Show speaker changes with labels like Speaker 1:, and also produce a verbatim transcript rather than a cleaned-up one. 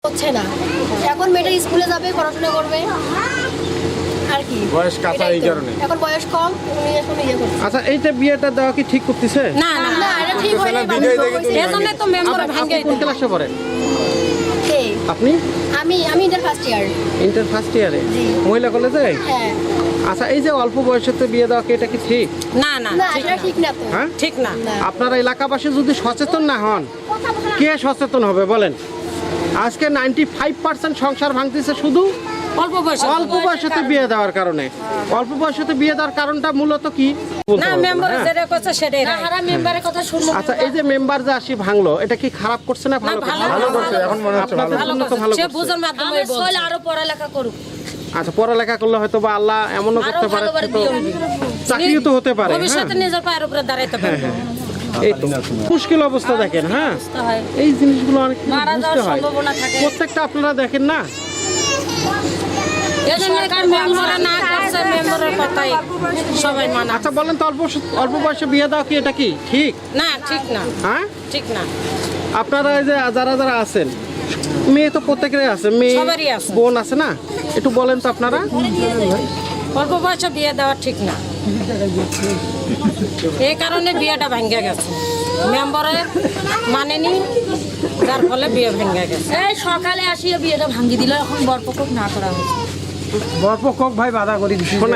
Speaker 1: হচ্ছে না। এখন মেয়েটা স্কুলে যাবে, পড়াশোনা করবে আর কি,
Speaker 2: বয়স কাঁচা এই কারণে।
Speaker 1: এখন বয়স কম, উনি এখন ইয়ে করছে।
Speaker 3: আচ্ছা, এইটা বিয়েটা দেওয়া কি ঠিক করতেছে?
Speaker 4: না না
Speaker 1: না, এটা ঠিক হয়নি।
Speaker 2: ভিডিও দেখে তুমি
Speaker 4: এজন্য তো মেম্বার
Speaker 3: আপনি
Speaker 4: ভাঙে
Speaker 3: কোন ক্লাসে পড়েন?
Speaker 1: কে?
Speaker 3: আপনি
Speaker 1: আমি আমি inter first year.
Speaker 3: Inter first ইয়ারে
Speaker 1: জি।
Speaker 3: মহিলা কলেজে?
Speaker 1: হ্যাঁ।
Speaker 3: আচ্ছা, এই যে অল্প বয়সেতে বিয়ে দেওয়া কি এটা কি ঠিক?
Speaker 4: না না
Speaker 1: না, এটা ঠিক না তো।
Speaker 3: হ্যাঁ,
Speaker 4: ঠিক না।
Speaker 1: না।
Speaker 3: আপনারা এলাকাবাসী যদি সচেতন না হন, কে সচেতন হবে বলেন? আজকে নাইনটি ফাইভ পার্সেন্ট সংসার ভাঙতেছে শুধু
Speaker 4: অল্প বয়সে
Speaker 3: অল্প বয়সেতে বিয়ে দেওয়ার কারণে। অল্প বয়সেতে বিয়ে দেওয়ার কারণটা মূলত কি বলতে
Speaker 4: না,
Speaker 3: পারবো না,
Speaker 4: মেম্বার
Speaker 3: হ্যাঁ?
Speaker 4: যেটা করছে সেটাই
Speaker 1: না,
Speaker 4: right।
Speaker 1: হারা মেম্বারের কথা শুনবো।
Speaker 3: আচ্ছা, এই যে মেম্বার যে আসি ভাঙলো, এটা কি খারাপ করছে না ভালো
Speaker 4: না,
Speaker 3: করছে?
Speaker 4: ভালো
Speaker 2: ভালো করছে, এখন মনে হচ্ছে ভালো।
Speaker 3: আপনাদের
Speaker 4: ভালো
Speaker 3: জন্য তো ভালো
Speaker 4: করছে। সে
Speaker 3: করছে।
Speaker 4: বুঝার মাধ্যমে
Speaker 1: আমার
Speaker 4: বলছে।
Speaker 1: ছেলে আরো পড়ালেখা করুক।
Speaker 3: আচ্ছা, পড়ালেখা করলে হয়তো বা আল্লাহ এমনও
Speaker 1: আরো
Speaker 3: করতে পারে,
Speaker 1: ভালোভাবে
Speaker 3: তো
Speaker 1: বিয়ে হবে।
Speaker 3: চাকরিও তো হতে পারে।
Speaker 4: ভবিষ্যতে
Speaker 3: হ্যাঁ?
Speaker 4: নিজের পায়ের উপরে দাঁড়াইতে পারবে।
Speaker 3: এই তো মুশকিল অবস্থা দেখেন। হ্যাঁ,
Speaker 1: বুঝতে হয়।
Speaker 3: এই জিনিসগুলো অনেক কিছু
Speaker 1: মারা
Speaker 3: বুঝতে
Speaker 1: যাওয়ার
Speaker 3: হয়।
Speaker 1: সম্ভাবনা থাকে।
Speaker 3: প্রত্যেকটা আপনারা দেখেন না,
Speaker 4: এজন্য
Speaker 1: সরকার
Speaker 4: মেম্বাররা না করছে, মেম্বারের কথাই সবাই মানা।
Speaker 3: আচ্ছা বলেন তো, অল্প অল্প বয়সে বিয়ে দেওয়া কি এটা কি ঠিক?
Speaker 4: না, ঠিক না,
Speaker 3: হ্যাঁ,
Speaker 4: ঠিক না।
Speaker 3: আপনারা এই যে যারা যারা আছেন, মেয়ে তো প্রত্যেকেরই আছে, মেয়ে
Speaker 4: সবারই আছে।
Speaker 3: বোন আছে না, একটু বলেন তো আপনারা।
Speaker 4: অল্প বয়সে বিয়ে দেওয়া ঠিক না, এই কারণে বিয়েটা ভেঙে গেছে। মেম্বারে মানেনি, যার ফলে বিয়ে ভেঙে গেছে।
Speaker 1: এই সকালে আসিয়া বিয়েটা ভাঙ্গি দিল, এখন বরপক্ষ না করা হয়েছে।
Speaker 5: বরপক্ষ ভাই বাধা করে দিচ্ছে।
Speaker 3: শোনেন,